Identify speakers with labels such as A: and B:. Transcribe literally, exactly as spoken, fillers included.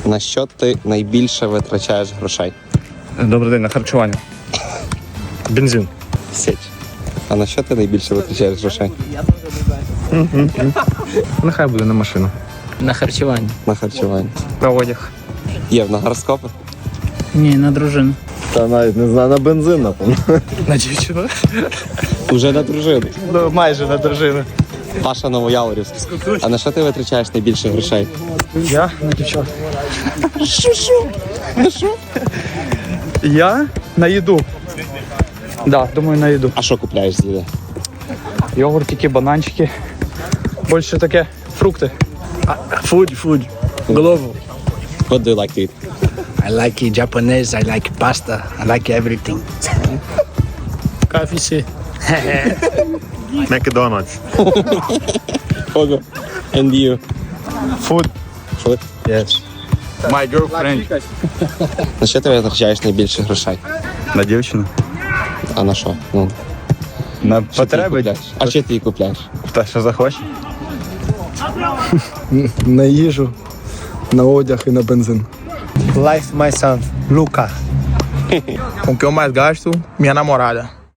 A: На що ти найбільше витрачаєш грошей?
B: Добрий день, на харчування. Бензин.
A: Січ. А на що ти найбільше витрачаєш грошей?
B: Нехай буде на машину.
C: На харчування.
A: На харчування.
B: На одяг.
A: Є на гороскопи?
C: Ні, на дружину.
D: Та навіть не знаю, на бензин, напевно.
B: На дівчину?
A: Уже на дружину.
B: Ну, майже на дружину.
A: Паша Новояворівськ. А на що ти витрачаєш найбільше грошей?
B: Я на дівчат. Що-що? На що? Я на їду. Да, думаю, на їду.
A: А що купляєш з їди?
B: Йогуртики, бананчики. Більше таке фрукти.
E: Food, food. Global.
A: What do you like to eat?
E: I like it Japanese, I like pasta, I like everything.
C: К Ф С.
D: Макдональдс.
A: Ого. And you?
D: Food.
A: Food?
D: Yes. My girlfriend.
A: На що ти витрачаєш найбільше грошей?
D: На дівчину.
A: А на що? Ну,
D: На
A: що ти їй
D: потреби.
A: купляєш? А що ти їй купляєш?
D: Та що захоче?
F: На їжу, на одяг і на бензин.
G: Life, my son, Luca.
H: Com o que eu mais gasto? Minha namorada.